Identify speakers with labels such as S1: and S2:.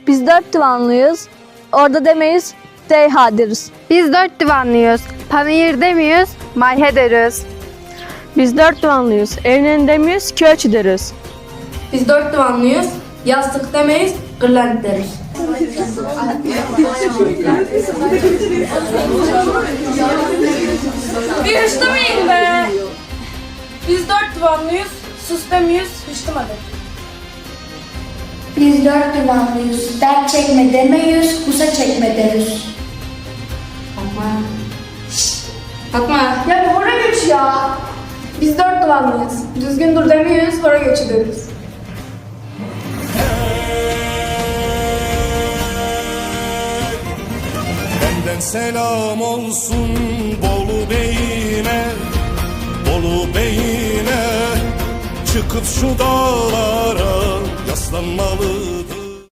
S1: Biz 4 divanlıyız. Orada demeyiz, deyha deriz.
S2: Biz 4 divanlıyız. Panayır demiyoruz, mayhe deriz.
S1: Biz 4 divanlıyız. Evlen demiyiz, köç deriz.
S3: Biz 4 divanlıyız. Yastık demeyiz, gırlent deriz.
S4: Bir hışlamayın be. Biz 4 divanlıyız. Sus demiyoruz, hışlamadık.
S5: Biz 4 divanlıyız. Dert çekme demeyiz, kusa çekme deriz.
S3: Fatma.
S4: Ya bir hora göç ya. Biz 4 divanlıyız. Düzgün dur demiyoruz, hora göçü deriz.
S6: Benden selam olsun Bolu Bey'ine, Bolu Bey'ine. Çıkıp şu dağlara yaslanmalı